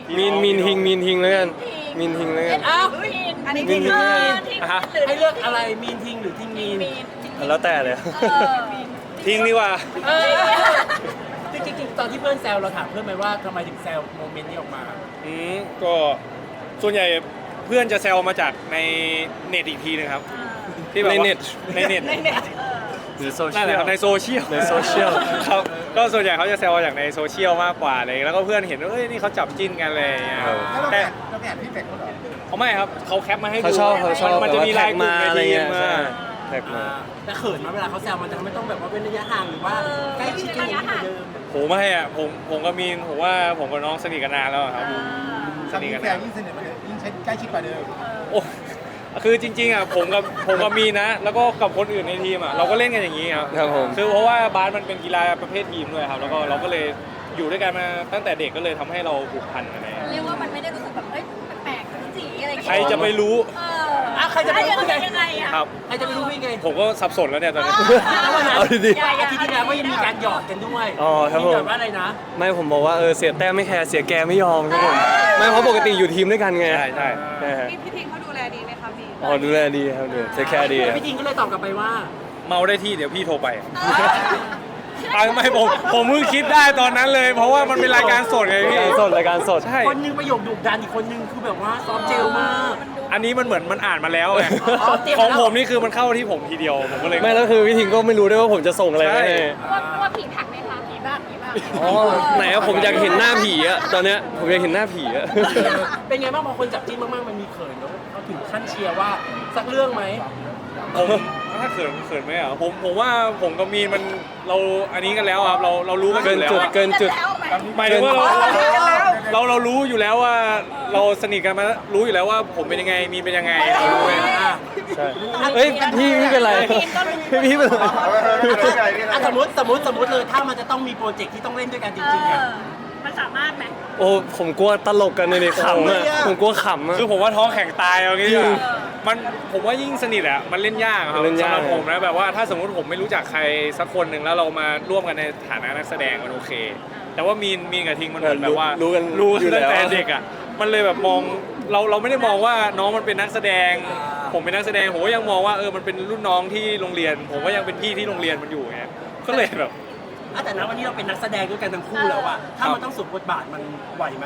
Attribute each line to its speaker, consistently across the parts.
Speaker 1: มีนทิงแล้วกันมีนทิงแล้วกัน
Speaker 2: อ้าว
Speaker 3: อันนี้
Speaker 1: มี
Speaker 3: ที่
Speaker 1: นทิงแล้วกัน
Speaker 2: ให้เลือกอะไรมีนทิงหรือทิงมีน
Speaker 1: แล้วแต่เลย
Speaker 4: ทิ้งดีกว่า
Speaker 2: จริงๆตอนที่เพื่อนแซวเราถามเพื่อนไหมว่าทำไมถึงแซวโมเมนต์นี้ออกมา
Speaker 4: ก็ส่วนใหญ่เพื่อนจะแซวมาจากในเน็ตอีกทีนึงครับที่แบบว่าในเน็ต
Speaker 1: หรือโซเชี
Speaker 4: นั่
Speaker 1: ย
Speaker 4: นแหละ
Speaker 1: ล
Speaker 4: ครับในโซเชียล
Speaker 1: ในโซเชียล
Speaker 4: ครับก็ส่วนใหญ่เขาจะแซวมาจากในโซเชียลมากกว่าเลยแล้วก็เพื่อนเห็นว่าเอ้ยนี่เขาจับจิ้นกันเลยอย่างเงี้ยครับ
Speaker 3: แล้วเรา
Speaker 4: แต่
Speaker 3: แอบพี่เป็ดเขาเหรอ
Speaker 4: เขาไม่ครับเขาแคปมาให้ดู
Speaker 1: เขาชอบ
Speaker 4: มันจะมี
Speaker 1: แท็
Speaker 4: ลาย
Speaker 1: ก
Speaker 4: กลุ่
Speaker 1: มาม
Speaker 4: ใน
Speaker 1: อะไร
Speaker 4: ที
Speaker 1: เงี้
Speaker 4: ม
Speaker 1: ย
Speaker 4: มา
Speaker 1: ใช่แท็กมา
Speaker 2: แต่เขินมาเวลาเขาแซวมันจะไม่ต้องแบบว่าเป็นระยะห่างหรือว่าใกล้ชิดกันอย่างนี้เหมือนเดิม
Speaker 4: ผมไม่อ่ะผมกับมีนผมว่าผมกับน้องสนิทกันนานแล้วอะครับส
Speaker 3: สา
Speaker 4: นิ
Speaker 3: มี
Speaker 4: ทกัน
Speaker 3: แฟ
Speaker 4: นาน น
Speaker 3: ยิ่งสนิทกว่าเดิมยิ่งใกล้ชิดกว่าเดิม
Speaker 4: โอ้คือจริงๆอ่ะผมกับมีนนะ แล้วก็กับคนอื่นในทีมอ่ะเราก็เล่นกันอย่างนี้ครับ
Speaker 1: ครับผม
Speaker 4: คือเพราะว่าบาสมันเป็นกีฬาประเภททีมด้วยครับแล้วก็เราก็เลยอยู่ด้วยกันมาตั้งแต่เด็กก็เลยทำให้เราผูกพันกันเลย
Speaker 5: เรียกว่ามันไม่ได้รู้สึกแบบเอ้ยแปลกๆจีอะไรอย่าง
Speaker 4: ใคร
Speaker 5: เงี้ย
Speaker 4: จะไปรู้
Speaker 2: ใครจะไปรู้
Speaker 5: ยังไงอะ
Speaker 4: ครับ
Speaker 2: ใครจะไปรู้พี่ไง
Speaker 4: ผมก็สับสนแล้วเนี่ยตอนนี้
Speaker 2: แล้ววันนั้น
Speaker 1: เอาดี
Speaker 2: อาทิตย์ที่แล้วก็ยังมีการหยอกกันด้วย
Speaker 1: อ๋อครับผม
Speaker 2: หยอกว่าอะไรนะ
Speaker 1: ไม่ผมบอกว่าเสียแต้มไม่แคร์เสียแกไม่ยอมครับผมไม่เพราะปกติอยู่ทีมด้วยกันไง
Speaker 4: ใช่ใช่
Speaker 1: ใช่ฮะ
Speaker 3: พี่ทิงเขาดูแลดีไหมคะพี่
Speaker 1: อ๋อดูแลดีครับดูเทคแคร์ดีครับ
Speaker 2: พี่ทิงก็เลยตอบกลับไปว่า
Speaker 4: เมาได้ที่เดี๋ยวพี่โทรไปไม่ผมเพิ่งคิดได้ตอนนั้นเลย เพราะว่ามันเป็นรายการสดไงพี่
Speaker 1: รายการสด
Speaker 4: ใช่
Speaker 2: คนหนึงประโยคดุดันอีกคนนึงคือแบบว่าซอฟต์เจลมาก
Speaker 4: อันนี้มันเหมือนมันอ่านมาแล้วไง
Speaker 2: อ๋อเตรียม
Speaker 4: ของ
Speaker 2: แล้ว
Speaker 4: ผมนี่คือมันเข้าที่ผมทีเดียวผมก็เลย
Speaker 1: ไม่แล้วคือพี่ทิงก็ไม่รู้ด้วยว่าผมจะส่งอะไรไป
Speaker 4: ใช่
Speaker 1: ให้
Speaker 5: ว่าผีผักไหมคะผีบ้างผีบ้าง
Speaker 1: อ๋อไหนอะผมอยากเห็นหน้าผีอะตอนเนี้ยผมอยากเห็นหน้าผีอะ
Speaker 2: เป็นไงบ้างพอคนจับจิ้นมากๆมันมีเขินแล้วเขาถึงขั้นเชียร์ว่าสักเรื่องไหม
Speaker 4: ผมถ้าเขินไหมอ่ะผมว่าผมกับมีนมันเราอันนี้กันแล้วครับเรารู้กันอ
Speaker 1: เกิน
Speaker 4: ยู่แล้ว
Speaker 1: จุด
Speaker 4: อะ
Speaker 1: เกินจุด
Speaker 4: หมายถึงว่าเรารู้อยู่แล้วว่าเราสนิทกันมารู้อยู่แล้วว่าผมเป็นยังไงมีนเป็นยังไงเรารู้ไง
Speaker 1: ใช่เฮ้ยพี่เป็นไรพี่เป็นไร
Speaker 2: สมมติเลยถ้ามันจะต้องมีโปรเจกต์ที่ต้องเล่นด้วยกันจริงๆอ่ะ
Speaker 5: มันสามารถไหม
Speaker 1: โอ้ผมกลัวตลกกันเลยขำอะผมกลัวขำอะ
Speaker 4: คือผมว่าท้องแข็งตายเอางี้ดีก
Speaker 1: จริ
Speaker 4: ว่าง มันผมว่ายิ่งสนิทอะมันเล่นยากครับ
Speaker 1: เล่นยาก
Speaker 4: สำหรับผมนะแบบว่าถ้าสมมติผมไม่รู้จักใครสักคนหนึ่งแล้วเรามาร่วมกันในฐานะนักแสดงมันโอเค แต่ว่ามีนกับทิงมันเหมือนแบบว่า
Speaker 1: รู้กัน
Speaker 4: รู้
Speaker 1: อยู่
Speaker 4: ตั้ง
Speaker 1: แล้ว
Speaker 4: แต่เด็กอะมันเลยแบบมองเราไม่ได้มองว่าน้องมันเป็นนักแสดง ผมเป็นนักแสดงผมก็ยังมองว่ามันเป็นรุ่นน้องที่โรงเรียน ผมก็ยังเป็นพี่ที่โรงเรียนมันอยู่ไงก็เลยแบบ
Speaker 2: แต่ณวันนี้เราเป็นนักแสดงด้วยกันทั้งคู่แล้วอะถ้ามันต้องสวมบทบาทมันไหวไหม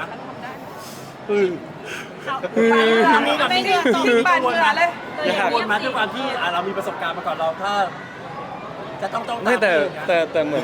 Speaker 2: มีกับพี่ที่กังวลมาเลยกังวลมาด้วยความที่เรามีประสบการณ์มาก่อนเราถ้าจะต้องตาม
Speaker 1: ไม่แต่เหมือน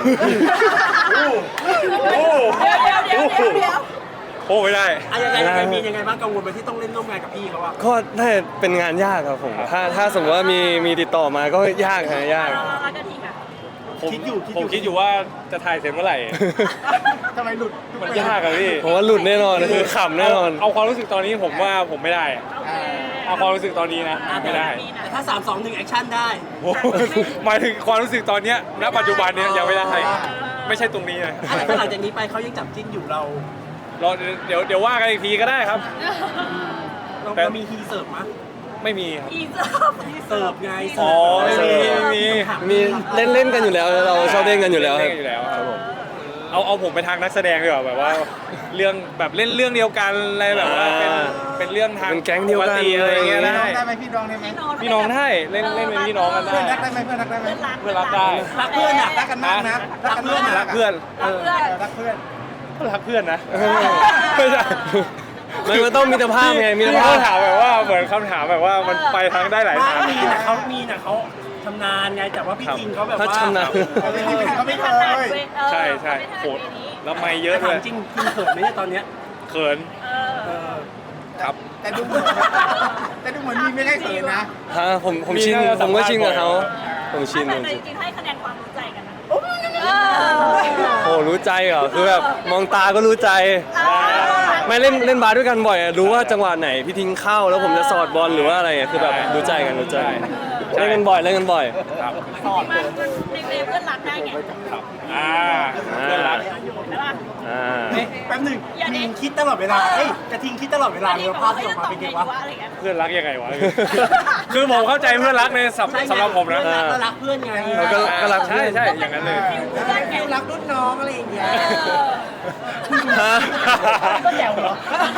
Speaker 5: เดี๋ยว
Speaker 4: โอ้ไม่ได้
Speaker 2: ยังไงมียังไงบ้างกังวลไหมที่ต้องเล่นร่วมงานกับพี่เขาอะ
Speaker 1: ก็ได้เป็นงานยากครับผมถ้าสมมติว่ามีติดต่อมาก็ยากฮะยาก
Speaker 5: แล้วก็ทีค่ะ
Speaker 4: ผมคิดอยู่ว่าจะถ่ายเสร็จเมื่อไหร่
Speaker 3: ทำไมหลุด
Speaker 4: มันยากอะพี่
Speaker 1: ผมว่าหลุดแน่นอนคือขำแน่นอน
Speaker 4: เอาความรู้สึกตอนนี้ผมว่าผมไม่ได้อะเอาความรู้สึกตอนนี้นะไม่ได้
Speaker 2: แต่ถ้า 3 2 1แอคชั่นได้
Speaker 4: โอ้โหหมายถึงความรู้สึกตอนเนี้ยณปัจจุบันเนี้ยยังไม่ได้ไม่ใช่ตรงนี้เลย
Speaker 2: ถ้าหลังจากนี้ไปเขายังจับจิ้นอยู่เรา
Speaker 4: เดี๋ยวว่ากันอีกทีก็ได้ครับ
Speaker 2: เรามีฮีเสิร์ฟมั้ย
Speaker 4: ไม่มีครับ
Speaker 5: อีเซิร์ฟ
Speaker 2: เสิร์ฟไง
Speaker 4: อ๋อไม่มี
Speaker 1: มีเล่นกันอยู่แล้วเราชอบเล่นกันอยู่แล้วค
Speaker 4: เล่
Speaker 1: รับ
Speaker 4: นอยู่แล้วครับผมเอาผมไปทางนักแสดงดีกว่าแบบว่าเรื่องแบบเล่นเรื่องเดียวกันอะไรแบบว่าเป็นเรื่องทาง
Speaker 1: เป็นแก๊งเดียวกัน
Speaker 4: ปติอะไรอย่างเงี้ยได้
Speaker 3: ได้ไหมพี่น้องได้ไหม
Speaker 4: พี่น้องได้เล่นเป็นพี่น้องกันได้
Speaker 3: เพื่อนรักได้ไหมเพื่อนรักได้ไหม
Speaker 4: เพื่อนรักได้
Speaker 2: รักเพื่อนอะ
Speaker 3: รักกันมากนะรักเพื่อน
Speaker 4: รักเพื่อน
Speaker 3: รักเพื่อน
Speaker 4: ก็รักเพื่อนนะ
Speaker 1: ไม่ใช่มันต้องมีตรภาพไงมีตร
Speaker 4: พี่
Speaker 1: ภา
Speaker 4: เขา
Speaker 1: พ
Speaker 4: ถามแบบว่าเหมือนคำถามแบบว่ามันไปทางได้หลายทาง
Speaker 2: มีนะเขาชำนาญไงแต่ว่าพี่ทิงเขาแบบ
Speaker 1: ถ้า
Speaker 2: ว่า
Speaker 1: ชำนาญ
Speaker 3: เขาไม่เคย
Speaker 4: ใช่ใช่โหดแล้วไม่เยอะ
Speaker 2: ถา
Speaker 4: เล
Speaker 2: ม
Speaker 4: ย
Speaker 2: จริงทิงเขินไหมเนี่ยตอนเนี้ย
Speaker 4: เขินครับ
Speaker 3: แต่ดูเหมือนมีไม่ได้เขินนะ
Speaker 1: ฮะผมชินผมก็ชินกับเขาผมชิน
Speaker 5: แต่จริงๆให้คะแนนความรู้ใจกันนะ
Speaker 1: โอ้รู้ใจเหรอคือแบบมองตาก็รู้ใจ ไม่เล่นบาสด้วยกันบ่อยอะรู้ว่าจังหวะไหนพี่ทิ้งเข้าแล้วผมจะสอดบอลหรือว่าอะไรอะคือแบบรู้ใจกันรู้ใจเล่นกันบ่อย
Speaker 4: ครับ
Speaker 5: มันในเพื่อนรักได้ไง
Speaker 4: ครับเพื่อนรัก
Speaker 5: ใช่ป่ะ
Speaker 1: อ่า
Speaker 2: แป๊บหนึงทิงคิดตลอดเวลากระทิงคิดตลอดเวลาเลยว่าภาพที่ออกมาเป็นไงวะ
Speaker 5: อะไรเงี้ย
Speaker 4: เพื่อนรักยังไงวะ คือผมเข้าใจเพื่อนรักในสำหรับผมนะ
Speaker 2: ก็รักเพื่อนไง
Speaker 1: ก็รัก
Speaker 4: ใช่ใช่อย่างนั้นเลย
Speaker 2: ฟิลรักรุ่นน้องอะไรอย่างเงี้ย
Speaker 1: ฮะ
Speaker 2: ก็แจ๋วเหรอ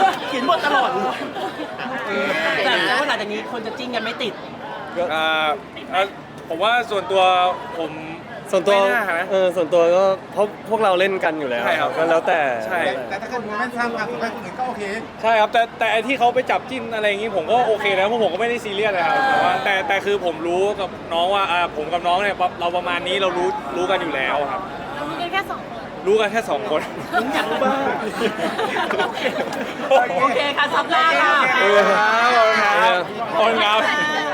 Speaker 2: นี้คนจะจิ้นกันไม่ติด
Speaker 4: อ่าผมว่าส่วนตัวผม
Speaker 1: ส่วนตัว
Speaker 4: ไม่น่านะ
Speaker 1: ส่วนตัวก็เพราะพวกเราเล่นกันอยู่แล้ว
Speaker 4: ใช่ครับ
Speaker 1: ก็แล้วแต่
Speaker 4: ใช่
Speaker 3: แต่ถ้าเกิดโมเมนต์สร้างความสุขให้คนอื่นก็โอเค
Speaker 4: ใช่ครับแต่ไอ้ที่เขาไปจับจิ้นอะไรอย่างงี้ผมก็โอเคแล้วเพราะผมก็ไม่ได้ซีเรียสเลยครับแต่ว่าแต่คือผมรู้กับน้องว่าผมกับน้องเนี่ยเราประมาณนี้เรารู้กันอยู่แล้วครับ
Speaker 5: เรามีกันแค่2 คน
Speaker 4: รู้กันแค่2 คน
Speaker 2: ผมอยากรู้บ้างโอเคค่ะสัปดาห์ค่ะ
Speaker 1: เออ
Speaker 4: ขอบคุณครับ